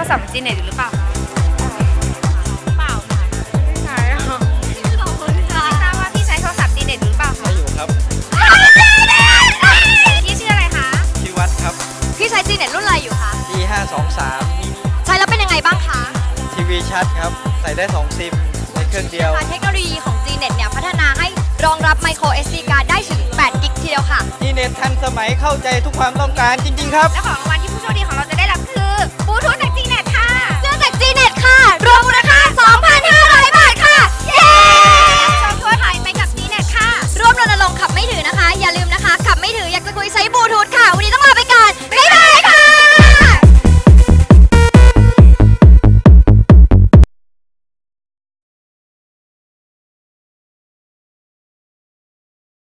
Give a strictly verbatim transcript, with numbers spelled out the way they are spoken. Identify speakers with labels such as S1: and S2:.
S1: รศัพท์จีเน็ตอยู่หรือเปล่าเปล่าไม่ใช่ค่ะขอบคุณค่ะทราบว่าพี่ใช้โทรศัพท์จีเน็ตหรือเปล่าคะ
S2: อยู่ครับ
S1: พี่ชื่ออะไรคะ
S2: ชื่อวัดครับ
S3: พี่ใช้จีเน็ตรุ่นอะไรอยู่คะ
S2: ดี ห้า สอง สาม
S3: ใช้แล้วเป็นยังไงบ้างคะ
S2: ทีวีชัดครับใส่ได้สองซิมในเครื่องเดียว
S3: เทคโนโลยีของ จี เน็ต เนี่ยพัฒนาให้รองรับ Micro เอส ดี Card ได้ถึงแปดกิกทีเดียวค่ะ
S2: จี เน็ต ทันสมัยเข้าใจทุกความต้องการจริงๆครับ
S1: และของรางวัลที่ผู้โชคดีของ